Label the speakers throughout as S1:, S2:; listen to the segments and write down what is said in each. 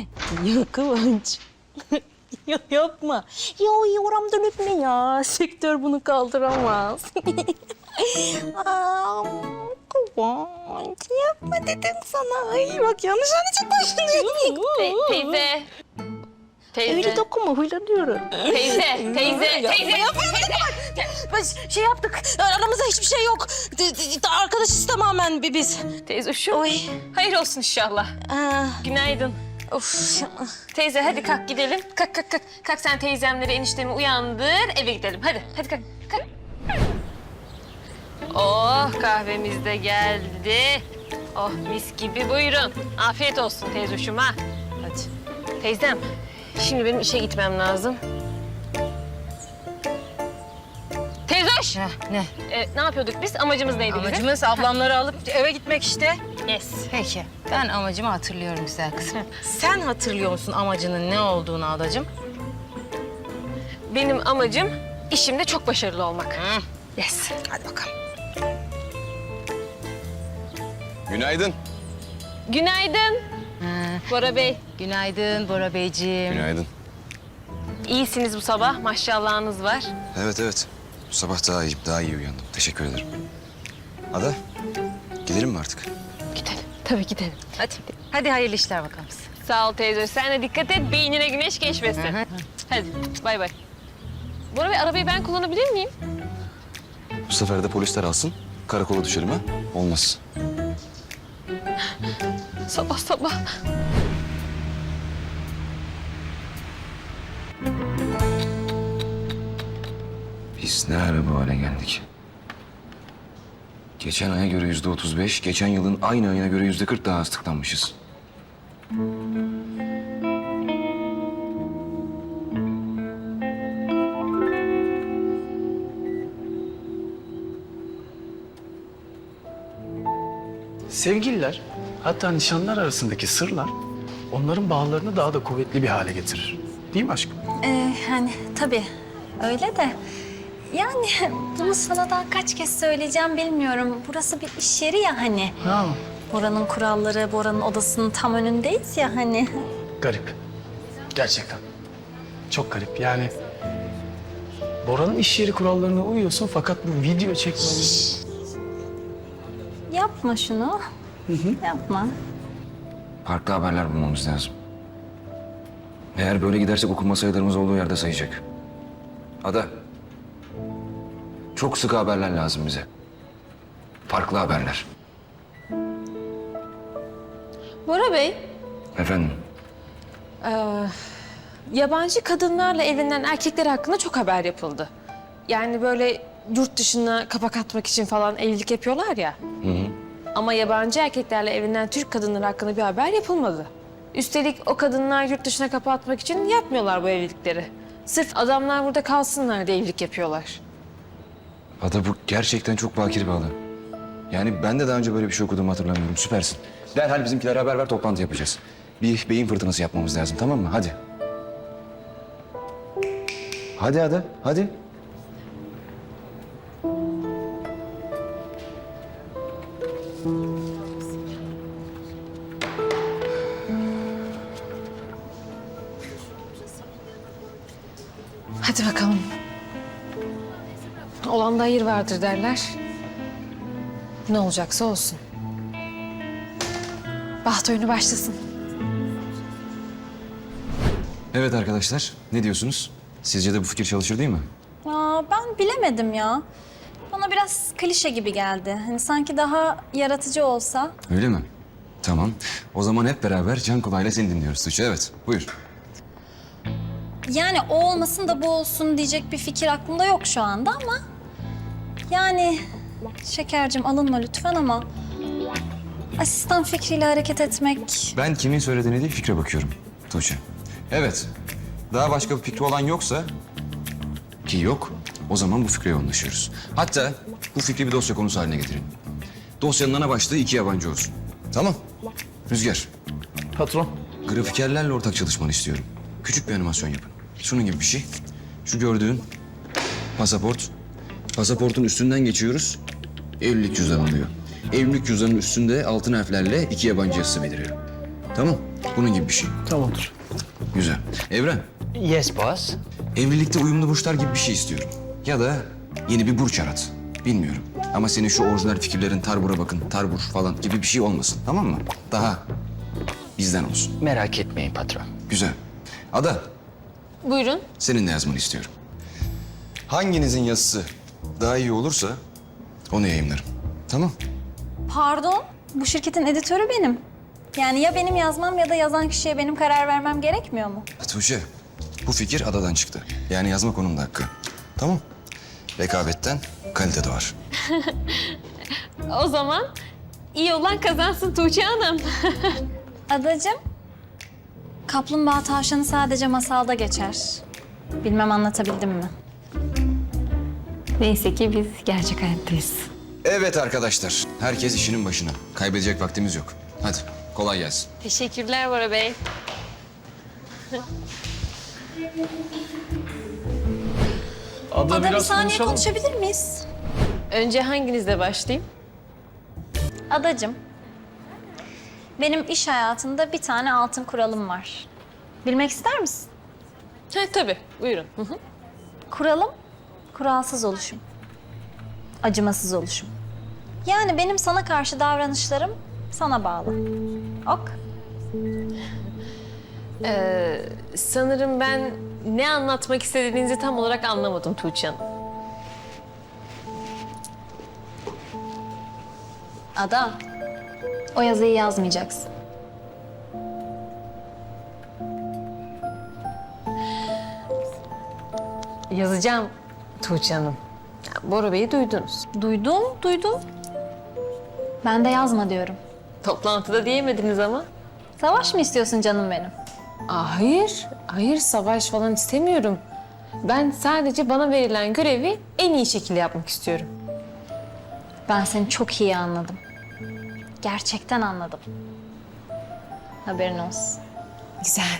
S1: Ya Kıvanç. Ya yapma. Ya oramdan öpme ya. Sektör bunu kaldıramaz. Aa, Kıvanç yapma dedim sana. Ay bak yanlış anlayacak başını.
S2: Teyze. Teyze.
S1: Öyle dokunma huylanıyorum.
S2: Teyze. Teyze.
S1: Biz şey yaptık. Aramızda hiçbir şey yok. Arkadaşız tamamen biz.
S2: Teyze şu.
S1: Oy.
S2: Hayır olsun inşallah. Günaydın.
S1: Of.
S2: Teyze hadi kalk gidelim. Kalk. Kalk sen teyzemleri eniştemi uyandır eve gidelim. Hadi kalk. Oh kahvemiz de geldi. Oh mis gibi buyurun. Afiyet olsun teyzoşuma. Hadi. Teyzem şimdi benim işe gitmem lazım. Teyzoş.
S3: Ne?
S2: Ne yapıyorduk biz? Amacımız neydi bizim?
S3: Amacımız ablamları alıp eve gitmek işte.
S2: Yes.
S3: Peki. Ben amacımı hatırlıyorum güzel kızım. Sen hatırlıyor musun amacının ne olduğunu adacığım?
S2: Benim amacım işimde çok başarılı olmak. Yes.
S3: Hadi bakalım.
S4: Günaydın.
S2: Günaydın. Bora Bey.
S3: Günaydın Bora Beyciğim.
S4: Günaydın.
S2: İyisiniz bu sabah. Maşallahınız var.
S4: Evet. Bu sabah daha iyi uyandım. Teşekkür ederim. Ada, gidelim mi artık?
S2: Gidelim. Tabii gidelim.
S3: Hadi. Hadi hayırlı işler bakalım.
S2: Sağ ol teyze. Sen de dikkat et. Beynine güneş geçmesin. Hadi bay bay. Bora Bey arabayı ben kullanabilir miyim?
S4: Bu sefer de polisler alsın. Karakola düşelim ha? Olmaz.
S2: Sabah.
S4: Biz ne ara bu hale geldik? Geçen aya göre %35, geçen yılın aynı ayına göre %40 daha az tıklanmışız.
S5: Sevgililer, hatta nişanlar arasındaki sırlar onların bağlarını daha da kuvvetli bir hale getirir. Değil mi aşkım?
S6: Hani tabii öyle de yani bunu sana daha kaç kez söyleyeceğim bilmiyorum. Burası bir iş yeri ya hani.
S5: Ha,
S6: Bora'nın kuralları, Bora'nın odasının tam önündeyiz ya hani.
S5: garip. Gerçekten. Çok garip. Yani Bora'nın iş yeri kurallarına uyuyorsun fakat bu video çekmemiz...
S6: Yapma şunu. Yapma.
S4: Farklı haberler bulmamız lazım. Eğer böyle gidersek okunma sayılarımız olduğu yerde sayacak. Ada, çok sıkı haberler lazım bize. Farklı haberler.
S2: Bora Bey,
S4: Efendim?
S2: yabancı kadınlarla evlenen erkekler hakkında çok haber yapıldı. Yani böyle yurt dışına kapak atmak için falan evlilik yapıyorlar ya. Ama yabancı erkeklerle evlenen Türk kadınları hakkında bir haber yapılmadı. Üstelik o kadınlar yurt dışına kapak atmak için yapmıyorlar bu evlilikleri. Sırf adamlar burada kalsınlar diye evlilik yapıyorlar.
S4: Ada, bu gerçekten çok bakir bir alan. Yani ben de daha önce böyle bir şey okuduğumu hatırlamıyorum. Süpersin. Derhal bizimkilere haber ver, toplantı yapacağız. Bir beyin fırtınası yapmamız lazım, tamam mı? Hadi. Hadi Ada, hadi.
S2: Hadi bakalım. Olanda hayır vardır derler. Ne olacaksa olsun. Baht oyunu başlasın.
S4: Evet arkadaşlar, ne diyorsunuz? Sizce de bu fikir çalışır değil mi?
S6: Aa, ben bilemedim ya. Bana biraz klişe gibi geldi. Hani sanki daha yaratıcı olsa.
S4: Öyle mi? Tamam. O zaman hep beraber can kulağıyla seni dinliyoruz Tuğçe. Evet, buyur.
S6: Yani o olmasın da bu olsun diyecek bir fikir aklımda yok şu anda ama... Yani Şekercim alınma lütfen ama... Asistan fikriyle hareket etmek...
S4: Ben kimin söylediğine değil, fikre bakıyorum Tuğçe. Evet, daha başka bir fikri olan yoksa... Ki yok, o zaman bu fikre yoğunlaşıyoruz. Hatta bu fikri bir dosya konusu haline getirin. Dosyanın ana başlığı 2 yabancı olsun. Tamam. Rüzgar,
S5: Patron.
S4: grafikerlerle ortak çalışmanı istiyorum. Küçük bir animasyon yapın. Şunun gibi bir şey. Şu gördüğün pasaport. Pasaportun üstünden geçiyoruz. Evlilik cüzdanı oluyor. Evlilik cüzdanının üstünde altın harflerle 2 yabancı yazısı beliriyor. Tamam. Bunun gibi bir şey.
S5: Tamamdır.
S4: Güzel. Evren,
S7: Yes boss.
S4: evlilikte uyumlu burçlar gibi bir şey istiyorum. Ya da yeni bir burç arat. Bilmiyorum. Ama senin şu orijinal fikirlerin tarbura bakın, tarbur falan gibi bir şey olmasın. Tamam mı? Daha bizden olsun.
S7: Merak etmeyin patron.
S4: Güzel. Ada,
S2: Buyurun.
S4: senin de yazmanı istiyorum. Hanginizin yazısı daha iyi olursa onu yayınlarım. Tamam.
S6: Pardon, bu şirketin editörü benim. Yani ya benim yazmam ya da yazan kişiye benim karar vermem gerekmiyor mu?
S4: Tuğçe, bu fikir Ada'dan çıktı. Yani yazmak onun da hakkı. Tamam. Rekabetten kalite doğar.
S2: O zaman iyi olan kazansın Tuğçe Hanım.
S6: Adacığım, kaplumbağa tavşanı sadece masalda geçer. Bilmem anlatabildim mi?
S2: Neyse ki biz gerçek hayattayız.
S4: Evet arkadaşlar, herkes işinin başına. Kaybedecek vaktimiz yok. Hadi, kolay gelsin.
S2: Teşekkürler Bora Bey.
S5: Ada,
S6: Ada bir
S5: biraz
S6: saniye
S5: konuşalım.
S6: konuşabilir miyiz?
S2: Önce hanginizle başlayayım?
S6: Adacığım, benim iş hayatında bir tane altın kuralım var. Bilmek ister misin?
S2: Tabii, buyurun. Hı hı.
S6: Kuralım, kuralsız oluşum. Acımasız oluşum. Yani benim sana karşı davranışlarım sana bağlı. Ok.
S2: Sanırım ben ne anlatmak istediğinizi tam olarak anlamadım Tuğçe Hanım.
S6: Ada, o yazıyı yazmayacaksın.
S2: Yazacağım Tuğçe Hanım. Bora Bey'i duydunuz.
S6: Duydum. Ben de yazma diyorum.
S2: Toplantıda diyemediniz ama.
S6: Savaş mı istiyorsun canım benim?
S2: Hayır savaş falan istemiyorum. Ben sadece bana verilen görevi en iyi şekilde yapmak istiyorum.
S6: Ben seni çok iyi anladım. Gerçekten anladım. Haberin olsun.
S2: Güzel.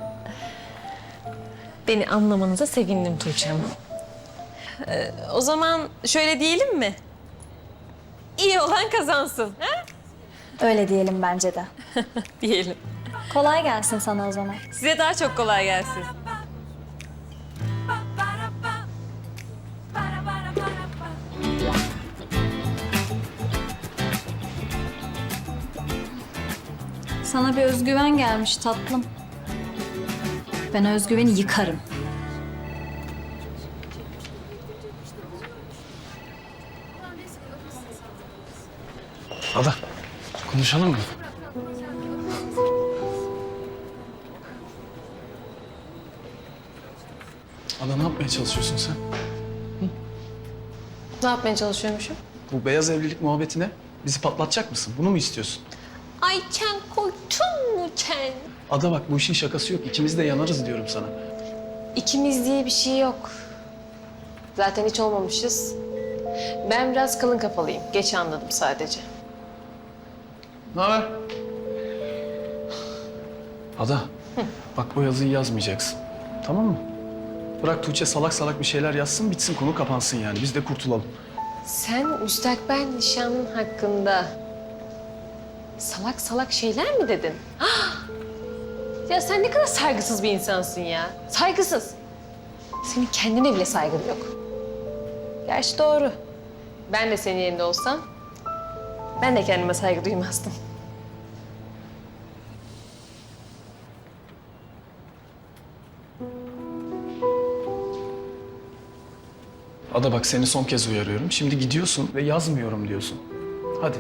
S2: Beni anlamanıza sevindim Tuğçe Hanım. O zaman şöyle diyelim mi? İyi olan kazansın. Ha?
S6: Öyle diyelim bence de.
S2: Diyelim.
S6: Kolay gelsin sana o zaman.
S2: Size daha çok kolay gelsin.
S6: Sana bir özgüven gelmiş tatlım. Ben o özgüveni yıkarım.
S5: Ada, konuşalım mı? Ada, ne yapmaya çalışıyorsun sen?
S2: Ne yapmaya çalışıyormuşum?
S5: Bu beyaz evlilik muhabbetine bizi patlatacak mısın? Bunu mu istiyorsun?
S2: Ay Ken koydun mu Ken?
S5: Ada bak, bu işin şakası yok. İkimiz de yanarız diyorum sana.
S2: İkimiz diye bir şey yok. Zaten hiç olmamışız. Ben biraz kalın kafalıyım. Geç anladım sadece.
S5: Ne haber? Ada, bak bu yazıyı yazmayacaksın. Tamam mı? Bırak Tuğçe salak salak bir şeyler yazsın, bitsin, konu kapansın yani. Biz de kurtulalım.
S2: Sen müstakbel nişanın hakkında salak salak şeyler mi dedin? Ah! Ya sen ne kadar saygısız bir insansın ya. Saygısız. Senin kendine bile saygın yok. Gerçi doğru. Ben de senin yerinde olsam ben de kendime saygı duymazdım.
S5: Ada bak, seni son kez uyarıyorum. Şimdi gidiyorsun ve yazmıyorum diyorsun. Hadi.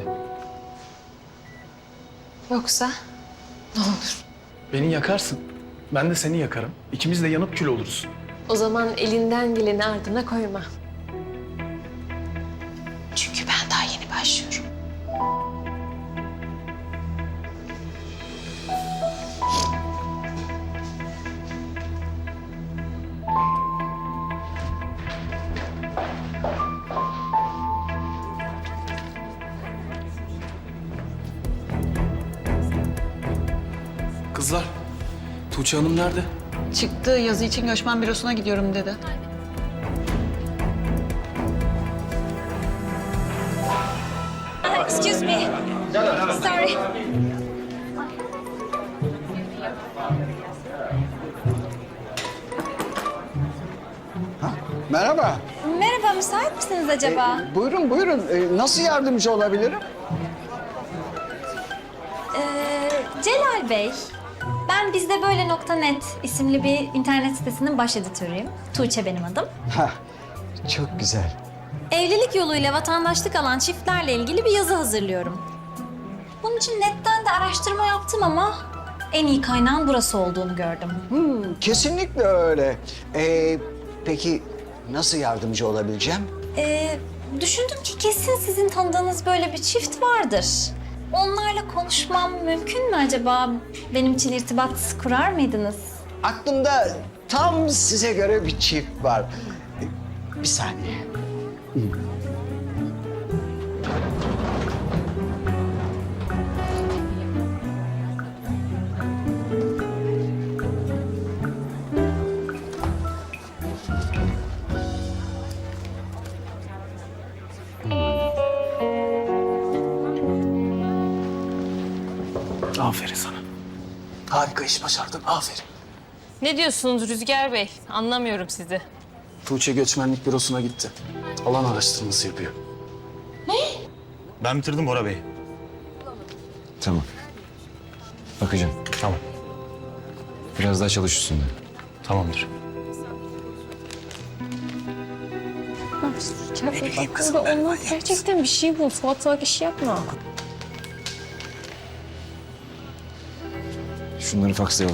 S2: Yoksa ne olur?
S5: Beni yakarsın. Ben de seni yakarım. İkimiz de yanıp kül oluruz.
S2: O zaman elinden geleni ardına koyma. Çünkü ben daha yeni başlıyorum.
S5: Kızlar, Tuğçe Hanım nerede?
S8: Çıktı, yazı için göçmen bürosuna gidiyorum dedi.
S6: Excuse me. Sorry.
S9: Merhaba.
S6: Merhaba, müsait misiniz acaba?
S9: Buyurun buyurun. Nasıl yardımcı olabilirim?
S6: Celal Bey, ben bizdebeyle.net isimli bir internet sitesinin baş editörüyüm. Tuğçe benim adım.
S9: Hah, çok güzel.
S6: Evlilik yoluyla vatandaşlık alan çiftlerle ilgili bir yazı hazırlıyorum. Bunun için netten de araştırma yaptım ama en iyi kaynağın burası olduğunu gördüm.
S9: Kesinlikle öyle. Peki nasıl yardımcı olabileceğim?
S6: Düşündüm ki kesin sizin tanıdığınız böyle bir çift vardır. Onlarla konuşmam mümkün mü acaba? Benim için irtibat kurar mıydınız?
S9: Aklımda tam size göre bir çift var. Bir saniye.
S5: Aferin sana. Harika iş başardın. Aferin.
S2: Ne diyorsunuz Rüzgar Bey? Anlamıyorum sizi.
S5: Tuğçe göçmenlik bürosuna gitti. Alan araştırması yapıyor.
S10: Ben bitirdim Bora Bey.
S4: Tamam. Bakacağım.
S10: Tamam.
S4: Biraz daha çalış üstünde.
S10: Tamamdır.
S2: Onlar gerçekten bir şey bul. Salak salak iş yapma.
S4: Şunları fakslayalım.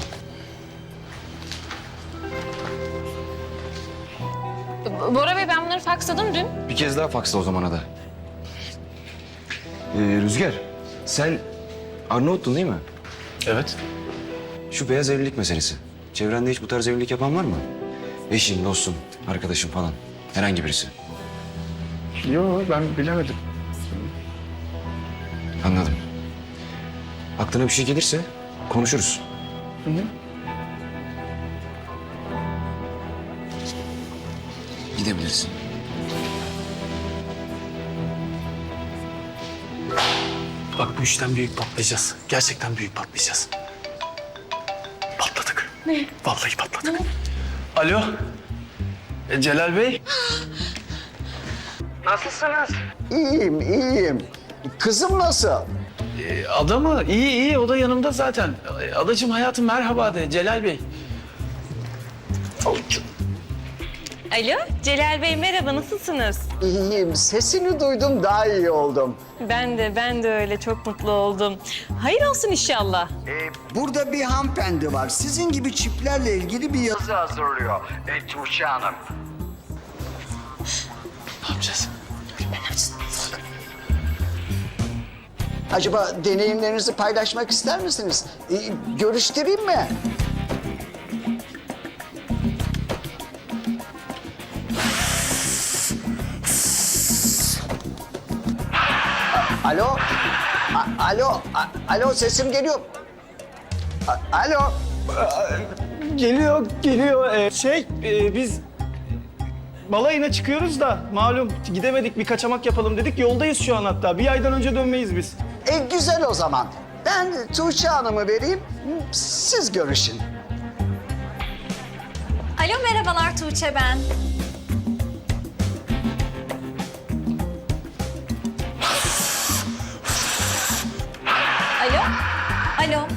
S2: Bora Bey ben bunları faksladım dün.
S4: Bir kez daha faksla o zamana da. Rüzgar, sen Arnavut'tun değil mi?
S5: Evet.
S4: Şu beyaz evlilik meselesi. Çevrende hiç bu tarz evlilik yapan var mı? Eşin, dostun, arkadaşın falan. Herhangi birisi.
S5: Yo ben bilemedim.
S4: Anladım. Aklına bir şey gelirse konuşuruz. Gidebilirsin.
S5: Bak bu işten büyük patlayacağız. Gerçekten büyük patlayacağız. Patladık. Ne? Vallahi patladık. Alo. Celal Bey. Nasılsınız?
S9: İyiyim, iyiyim. Kızım nasıl?
S5: Ada mı? İyi iyi o da yanımda zaten. Adacığım hayatım merhaba de Celal Bey.
S2: Alo Celal Bey merhaba nasılsınız?
S9: İyiyim. Sesini duydum, daha iyi oldum.
S2: Ben de öyle çok mutlu oldum. Hayır olsun inşallah.
S9: Burada bir hanımefendi var. Sizin gibi çiftlerle ilgili bir yazı hazırlıyor. Tuğçe Hanım.
S5: Ne yapacağız?
S9: Acaba deneyimlerinizi paylaşmak ister misiniz? Görüştüreyim mi? Alo? Alo sesim geliyor. Alo?
S5: Geliyor. Biz balayına çıkıyoruz da malum gidemedik bir kaçamak yapalım dedik. Yoldayız şu an hatta. Bir aydan önce dönmeyiz biz.
S9: Güzel o zaman. Ben Tuğçe Hanım'ı vereyim, siz görüşün.
S6: Alo, merhabalar Tuğçe ben. Alo? Alo?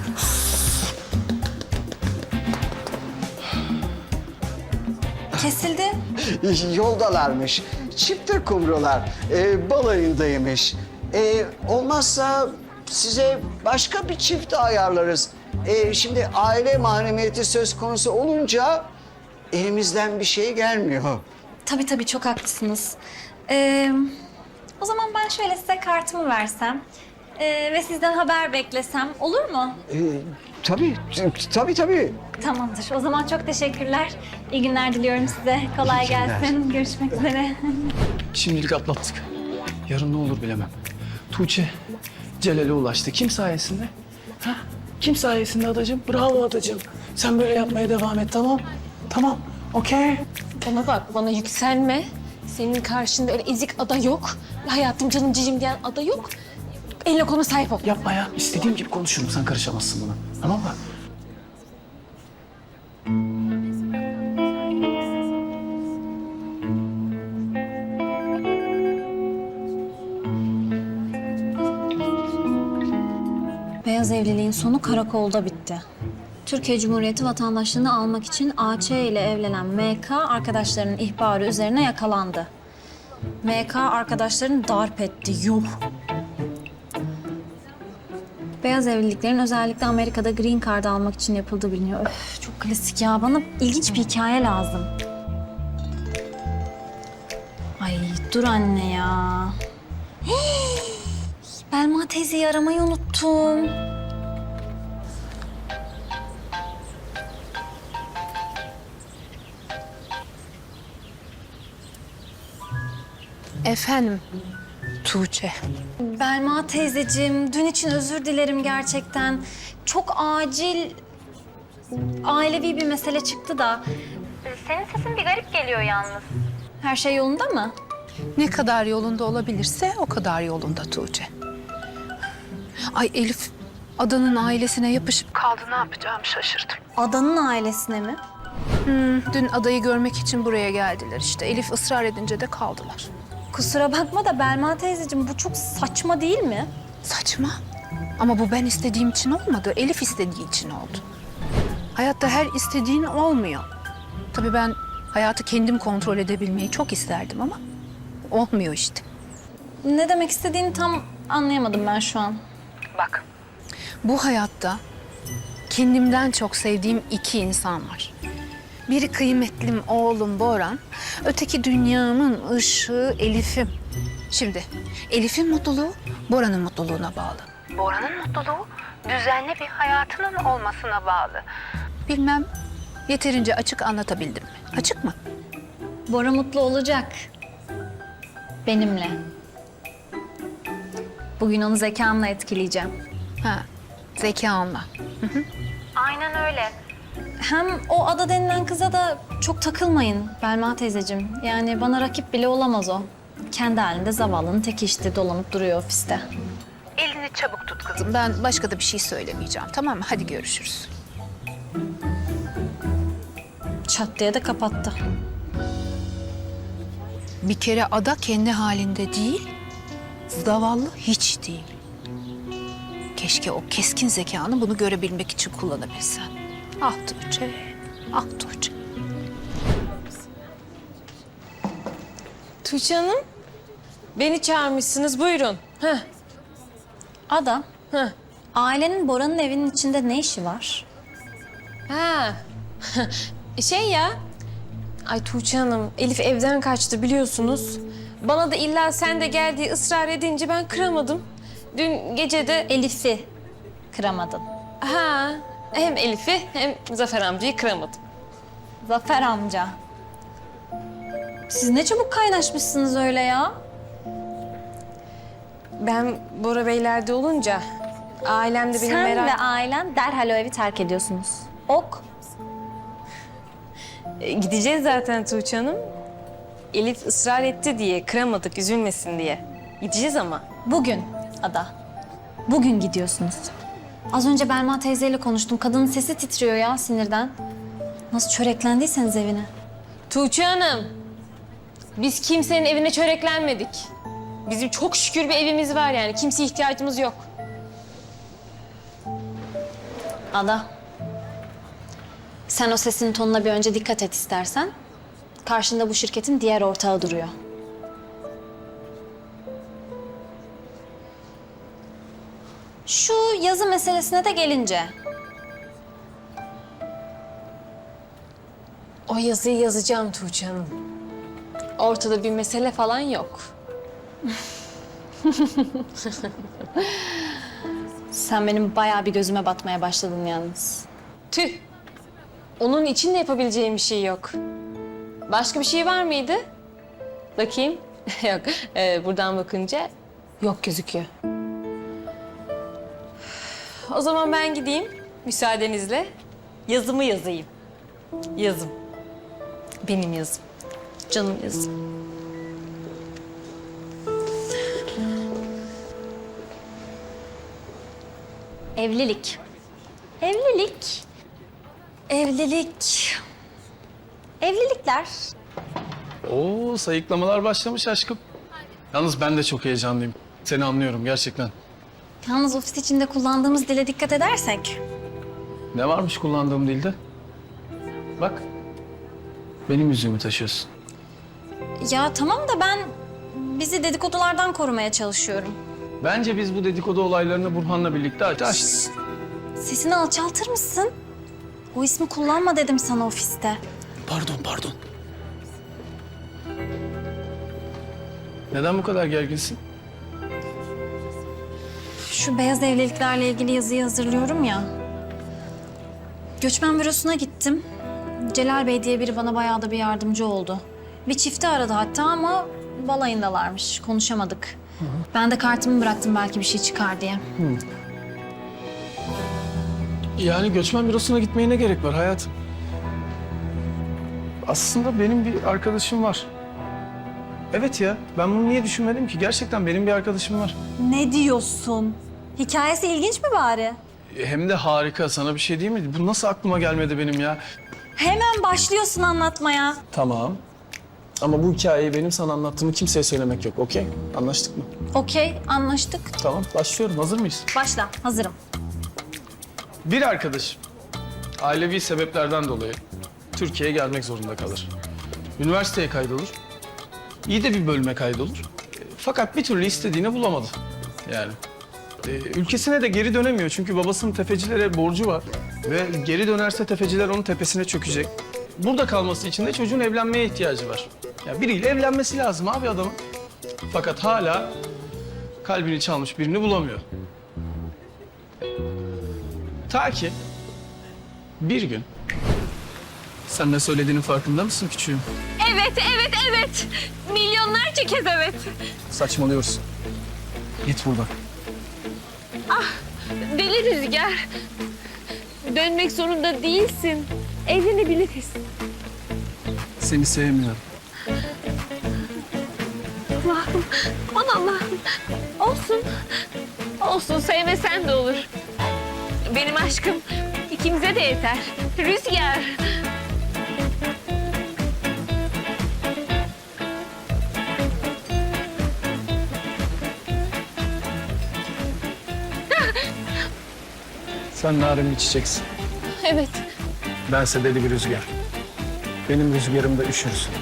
S6: Kesildi.
S9: Yoldalarmış. Çifte kumrular. Balayındaymış. Olmazsa size başka bir çift ayarlarız. Şimdi aile mahremiyeti söz konusu olunca elimizden bir şey gelmiyor.
S6: Tabii çok haklısınız. O zaman ben şöyle size kartımı versem ve sizden haber beklesem olur mu?
S9: Tabii.
S6: Tamamdır. O zaman çok teşekkürler. İyi günler diliyorum size. Kolay
S9: İyi günler.
S6: gelsin. Görüşmek üzere.
S5: Şimdilik atlattık. Yarın ne olur bilemem. Tuğçe Celal'e ulaştı. Kim sayesinde? Ha? Kim sayesinde adacığım? Bravo adacığım. Sen böyle yapmaya devam et tamam? Tamam. Okey.
S2: Bana bak bana yükselme. Senin karşında öyle ezik ada yok. Hayatım canım cicim diyen ada yok. Eline koluna sahip ol.
S5: Yapma ya. İstediğim gibi konuşurum. Sen karışamazsın buna. Tamam mı?
S6: Beyaz evliliğin sonu karakolda bitti. Türkiye Cumhuriyeti vatandaşlığını almak için AC ile evlenen MK arkadaşlarının ihbarı üzerine yakalandı. MK arkadaşlarını darp etti. Yuh! Beyaz evliliklerin özellikle Amerika'da green card almak için yapıldığı biliniyor. Öf, çok klasik ya. Bana ilginç bir hikaye lazım. Ay dur anne ya. Hii! Belma teyzeyi aramayı unuttum.
S3: Efendim Tuğçe.
S6: Belma teyzeciğim, dün için özür dilerim gerçekten. Çok acil, ailevi bir mesele çıktı da. Senin sesin bir garip geliyor yalnız. Her şey yolunda mı?
S11: Ne kadar yolunda olabilirse o kadar yolunda Tuğçe. Ay Elif, Adan'ın ailesine yapışıp kaldı. Ne yapacağımı şaşırdım.
S6: Adanın ailesine mi?
S11: Dün adayı görmek için buraya geldiler işte. Elif ısrar edince de kaldılar.
S6: Kusura bakma da Belma teyzeciğim, bu çok saçma değil mi?
S11: Saçma. Ama bu ben istediğim için olmadı. Elif istediği için oldu. Hayatta her istediğin olmuyor. Tabii ben hayatı kendim kontrol edebilmeyi çok isterdim ama olmuyor işte.
S6: Ne demek istediğini tam anlayamadım ben şu an.
S11: Bak, bu hayatta kendimden çok sevdiğim iki insan var. Biri kıymetlim oğlum Boran, öteki dünyamın ışığı Elif'im. Şimdi Elif'in mutluluğu Boran'ın mutluluğuna bağlı. Boran'ın mutluluğu düzenli bir hayatının olmasına bağlı. Bilmem yeterince açık anlatabildim mi? Açık mı?
S6: Bora mutlu olacak. Benimle. Bugün onu zekamla etkileyeceğim.
S11: Ha, zekanla.
S6: Aynen öyle. Hem o Ada denilen kıza da çok takılmayın Belma teyzeciğim. Yani bana rakip bile olamaz o. Kendi halinde zavallının teki işte, dolanıp duruyor ofiste.
S11: Elini çabuk tut kızım. Ben başka da bir şey söylemeyeceğim, tamam mı? Hadi görüşürüz.
S6: Çat diye de kapattı.
S11: Bir kere Ada kendi halinde değil, zavallı hiç değil. Keşke o keskin zekanı bunu görebilmek için kullanabilsen. Ah Tuğçe, ah Tuğçe.
S2: Tuğçe Hanım, beni çağırmışsınız. Buyurun. Heh.
S6: Ada,
S2: Heh.
S6: ailenin Bora'nın evinin içinde ne işi var?
S2: Ha. Şey ya. Ay Tuğçe Hanım, Elif evden kaçtı biliyorsunuz. Bana da illa sen de gel diye ısrar edince ben kıramadım. Dün gece de
S6: Elif'i kıramadın.
S2: ha hem Elif'i hem Zafer amcayı kıramadım.
S6: Zafer amca. Siz ne çabuk kaynaşmışsınız öyle ya.
S2: Ben Bora Beyler'de olunca ailem de benim
S6: Sen
S2: merak...
S6: ve ailen derhal o evi terk ediyorsunuz. Ok.
S2: Gideceğiz zaten Tuğçe Hanım. Elif ısrar etti diye, kıramadık, üzülmesin diye. Gideceğiz ama.
S6: Bugün Ada. Bugün gidiyorsunuz. Az önce Belma teyzeyle konuştum. Kadının sesi titriyor ya sinirden. Nasıl çöreklendiyseniz evine.
S2: Tuğçe Hanım, biz kimsenin evine çöreklenmedik. Bizim çok şükür bir evimiz var yani. Kimseye ihtiyacımız yok.
S6: Ada. Sen o sesinin tonuna bir önce dikkat et istersen. Karşında bu şirketin diğer ortağı duruyor. Şu yazı meselesine de gelince.
S2: O yazıyı yazacağım Tuğçe Hanım. Ortada bir mesele falan yok.
S6: Sen benim bayağı bir gözüme batmaya başladın yalnız.
S2: Tüh. Onun için de yapabileceğim bir şey yok. Başka bir şey var mıydı? Bakayım. Yok. Buradan bakınca yok gözüküyor. O zaman ben gideyim müsaadenizle. Yazımı yazayım. Yazım. Benim yazım. Canım yazım.
S6: Evlilik. Evlilik. Evlilik. Evlilikler.
S5: Oo, sayıklamalar başlamış aşkım. Yalnız ben de çok heyecanlıyım. Seni anlıyorum gerçekten.
S6: Yalnız ofis içinde kullandığımız dile dikkat edersek.
S5: Ne varmış kullandığım dilde? Bak. Benim yüzüğümü taşıyorsun.
S6: Ya tamam da ben bizi dedikodulardan korumaya çalışıyorum.
S5: Bence biz bu dedikodu olaylarını Burhan'la birlikte aç.
S6: Sesini alçaltır mısın? O ismi kullanma dedim sana ofiste.
S5: Pardon. Neden bu kadar gerginsin?
S6: Şu beyaz evliliklerle ilgili yazıyı hazırlıyorum ya. Göçmen bürosuna gittim. Celal Bey diye biri bana bayağı da bir yardımcı oldu. Bir çifti aradı hatta ama balayındalarmış. Konuşamadık. Ben de kartımı bıraktım belki bir şey çıkar diye.
S5: Yani göçmen bürosuna gitmeye ne gerek var hayatım? Aslında benim bir arkadaşım var. Evet ya, ben bunu niye düşünmedim ki? Gerçekten benim bir arkadaşım var.
S6: Ne diyorsun? Hikayesi ilginç mi bari?
S5: Hem de harika, sana bir şey değil mi? Bu nasıl aklıma gelmedi benim ya?
S6: Hemen başlıyorsun anlatmaya.
S5: Tamam. Ama bu hikayeyi benim sana anlattığımı kimseye söylemek yok, okey? Anlaştık mı?
S6: Okey, anlaştık.
S5: Tamam, başlıyorum. Hazır mıyız?
S6: Başla, hazırım.
S5: Bir arkadaşım ailevi sebeplerden dolayı Türkiye'ye gelmek zorunda kalır. Üniversiteye kaydolur. İyi de bir bölüme kaydolur. Fakat bir türlü istediğini bulamadı. Yani ülkesine de geri dönemiyor çünkü babasının tefecilere borcu var. Ve geri dönerse tefeciler onun tepesine çökecek. Burada kalması için de çocuğun evlenmeye ihtiyacı var. Ya biriyle evlenmesi lazım abi adamın. Fakat hala kalbini çalmış birini bulamıyor. Ta ki bir gün... Sen ne söylediğinin farkında mısın küçüğüm?
S2: Evet. Milyonlarca kez evet.
S5: Saçmalıyorsun. Git buradan.
S2: Deli Rüzgar. Dönmek zorunda değilsin. Evlenebiliriz.
S5: Seni sevmiyorum.
S2: Allah'ım, aman Allah'ım. Olsun sevmesen de olur. Benim aşkım ikimize de yeter. Rüzgar.
S5: Sen narin bir çiçeksin.
S2: Evet.
S5: Bense deli bir rüzgar. Benim rüzgarımda üşürsün.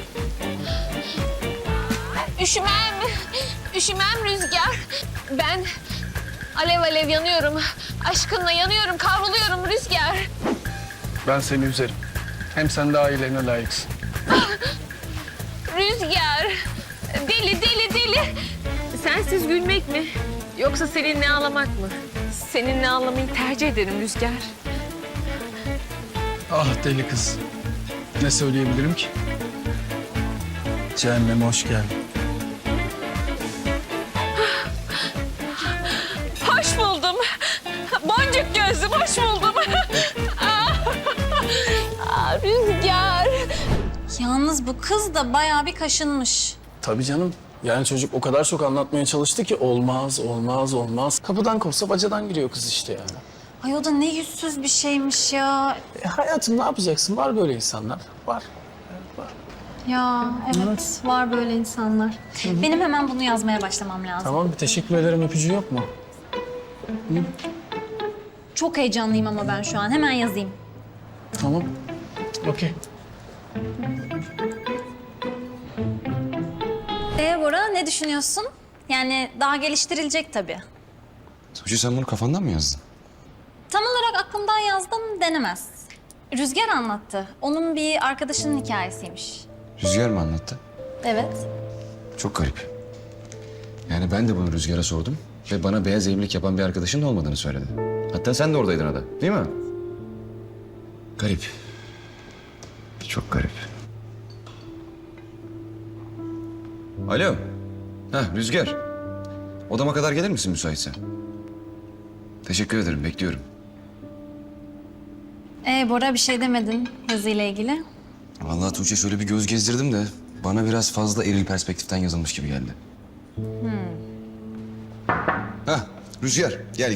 S2: Üşümem Rüzgar. Ben alev alev yanıyorum. Aşkınla yanıyorum, kavruluyorum Rüzgar.
S5: Ben seni üzerim. Hem sen de ailelerine layıksın.
S2: Rüzgar. Deli. Sensiz gülmek mi? Yoksa seninle ağlamak mı? Seninle ağlamayı tercih ederim Rüzgar.
S5: Ah deli kız. Ne söyleyebilirim ki? Cehenneme hoş geldin.
S2: Hoş buldum. Boncuk gözlüm, hoş buldum. Rüzgar.
S6: Yalnız bu kız da bayağı bir kaşınmış.
S5: Tabii canım. Yani çocuk o kadar çok anlatmaya çalıştı ki olmaz. Kapıdan kovsa bacadan giriyor kız işte yani.
S6: Ay o da ne yüzsüz bir şeymiş ya.
S5: Hayatım ne yapacaksın? Var böyle insanlar. Var.
S6: Ya evet var böyle insanlar. Benim hemen bunu yazmaya başlamam lazım.
S5: Tamam bir teşekkür ederim öpücüğü yok mu?
S6: Çok heyecanlıyım ama ben şu an. Hemen yazayım.
S5: Tamam. Okey.
S6: Bora ne düşünüyorsun? Yani daha geliştirilecek tabii.
S4: Tuğçe sen bunu kafandan mı yazdın?
S6: Tam olarak aklımdan yazdım denemez. Rüzgar anlattı. Onun bir arkadaşının hikayesiymiş.
S4: Rüzgar mı anlattı?
S6: Evet.
S4: Çok garip. Yani ben de bunu Rüzgar'a sordum ve bana beyaz evlilik yapan bir arkadaşın da olmadığını söyledi. Hatta sen de oradaydın ada, değil mi? Garip. Çok garip. Alo. Rüzgar. Odama kadar gelir misin müsaitsen? Teşekkür ederim, bekliyorum.
S6: Bora bir şey demedin yazıyla ilgili.
S4: Vallahi Tuğçe şöyle bir göz gezdirdim de bana biraz fazla eril perspektiften yazılmış gibi geldi. Rüzgar gel.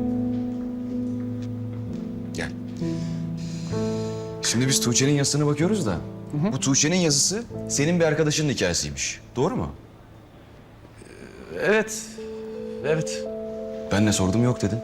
S4: Gel. Şimdi biz Tuğçe'nin yazısına bakıyoruz da bu Tuğçe'nin yazısı senin bir arkadaşının hikayesiymiş. Doğru mu?
S5: Evet.
S4: Ben ne sordum yok dedin.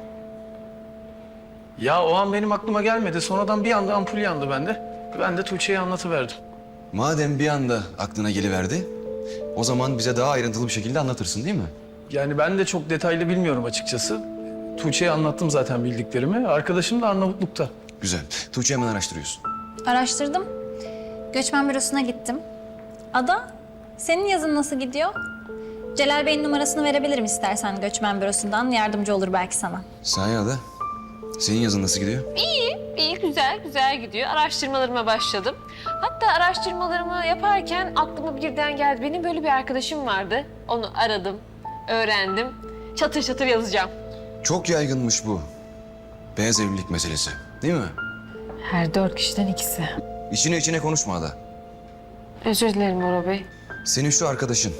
S5: Ya o an benim aklıma gelmedi. Sonradan bir anda ampul yandı bende. Ben de Tuğçe'ye anlatıverdim.
S4: Madem bir anda aklına geliverdi, o zaman bize daha ayrıntılı bir şekilde anlatırsın değil mi?
S5: Yani ben de çok detaylı bilmiyorum açıkçası. Tuğçe'ye anlattım zaten bildiklerimi. Arkadaşım da Arnavutluk'ta.
S4: Güzel. Tuğçe hemen araştırıyorsun.
S6: Araştırdım. Göçmen bürosuna gittim. Ada, senin yazın nasıl gidiyor? Celal Bey'in numarasını verebilirim istersen göçmen bürosundan. Yardımcı olur belki sana.
S4: Sahi Ada, senin yazın nasıl gidiyor?
S2: İyi, güzel gidiyor. Araştırmalarıma başladım. Hatta araştırmalarımı yaparken aklıma birden geldi. Benim böyle bir arkadaşım vardı. Onu aradım, öğrendim. Çatır çatır yazacağım.
S4: Çok yaygınmış bu. Beyaz evlilik meselesi, değil mi?
S2: Her 4 kişiden ikisi.
S4: İçine konuşma Ada.
S2: Özür dilerim Bora Bey.
S4: Senin şu arkadaşın,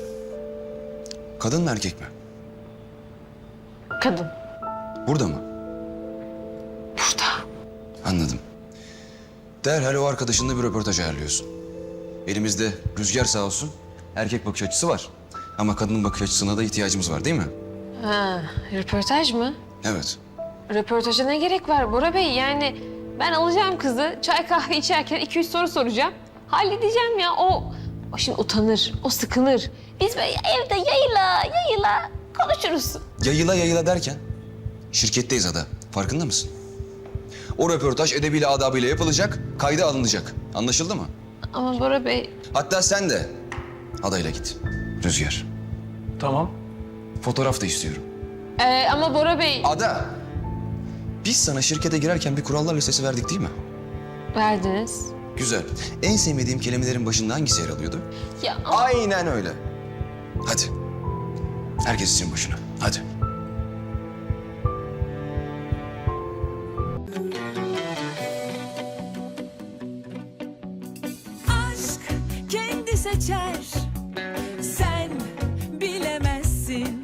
S4: kadın mı erkek mi?
S2: Kadın.
S4: Burada mı?
S2: Burada.
S4: Anladım. Derhal o arkadaşınla bir röportaj ayarlıyorsun. Elimizde Rüzgar sağ olsun, erkek bakış açısı var. Ama kadının bakış açısına da ihtiyacımız var değil mi?
S2: Ha, röportaj mı?
S4: Evet.
S2: Röportaja ne gerek var Bora Bey? Yani ben alacağım kızı, çay kahve içerken 2-3 soru soracağım. Halledeceğim ya. O şimdi utanır, o sıkılır. Biz böyle evde yayıla konuşuruz.
S4: Yayıla derken şirketteyiz Ada. Farkında mısın? O röportaj edebiyle adabıyla yapılacak, kayda alınacak. Anlaşıldı mı?
S2: Ama Bora Bey,
S4: Hatta sen de adayla git. Rüzgar.
S5: Tamam.
S4: Fotoğraf da istiyorum.
S2: ama Bora Bey...
S4: Ada! Biz sana şirkete girerken bir kurallar listesi verdik değil mi?
S2: Verdiniz.
S4: Güzel. En sevmediğim kelimelerin başında hangisi yer alıyordu?
S2: Ya
S4: Aynen öyle. Hadi. Herkes için başına. Hadi.
S12: Aşk kendi seçer